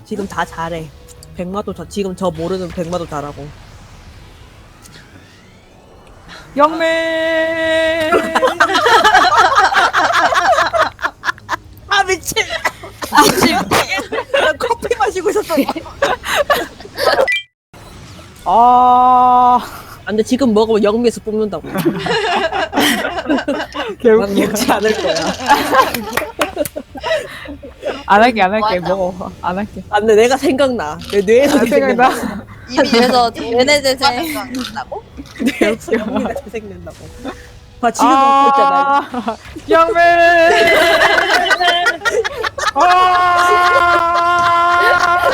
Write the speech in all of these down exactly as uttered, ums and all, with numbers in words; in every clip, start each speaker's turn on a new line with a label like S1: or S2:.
S1: 지금 다 잘해. 백마도 저 지금 저 모르는 백마도 잘하고.
S2: 영매.
S1: 아 미친. 아 미친. 나 커피 마시고 있었어.
S2: 아,
S1: 아, 근데 지금 먹으면 영미에서 뽑는다고. 난
S2: 개웃겨.
S1: 먹지 않을 거야.
S2: 안 할게, 안 할게.
S3: 맞아.
S2: 먹어. 안 할게.
S1: 아, 근데 내가 생각나. 내 뇌에서
S2: 안 생각나.
S3: 이미 그래서 얘네들 생각난다고?
S1: 뇌에서 영미가 재생된다고. 봐 지금 먹고 있잖아.
S2: 아, 영매. 아,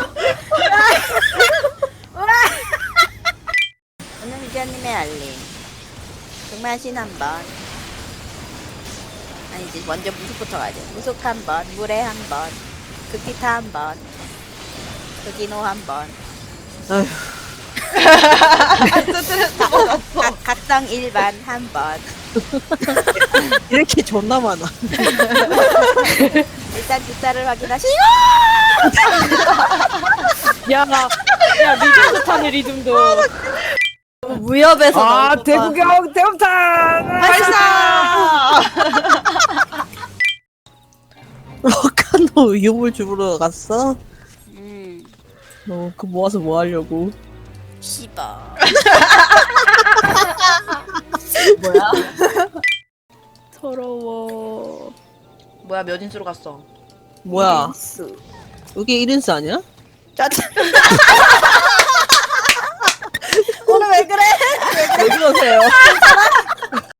S3: 오늘 유자님의 알림. 등만신 한 번. 아니지, 먼저 무속부터 가야 돼. 무속 한 번, 물에 한 번, 극기타 한 번, 극기노 한 번.
S1: 아휴.
S3: 각, 각성 일반 한 번.
S1: 이렇게 존나 많아.
S3: 일단 뒷살을 확인하시고!
S2: 야, 야, 리듬 좋다네, 리듬도.
S3: 무협에서
S2: 아, 대구경 대hom탕
S3: 발사!
S1: 어카노 유물 주우러 갔어?
S3: 음,
S1: 어, 그 모아서 뭐 하려고?
S3: 씨바.
S4: 뭐야?
S2: 서러워.
S4: 뭐야 몇 인수로 갔어?
S1: 뭐야? 이게 일 인스 아니야?
S3: 짜증. 오늘 왜 그래?
S1: 왜 그러세요?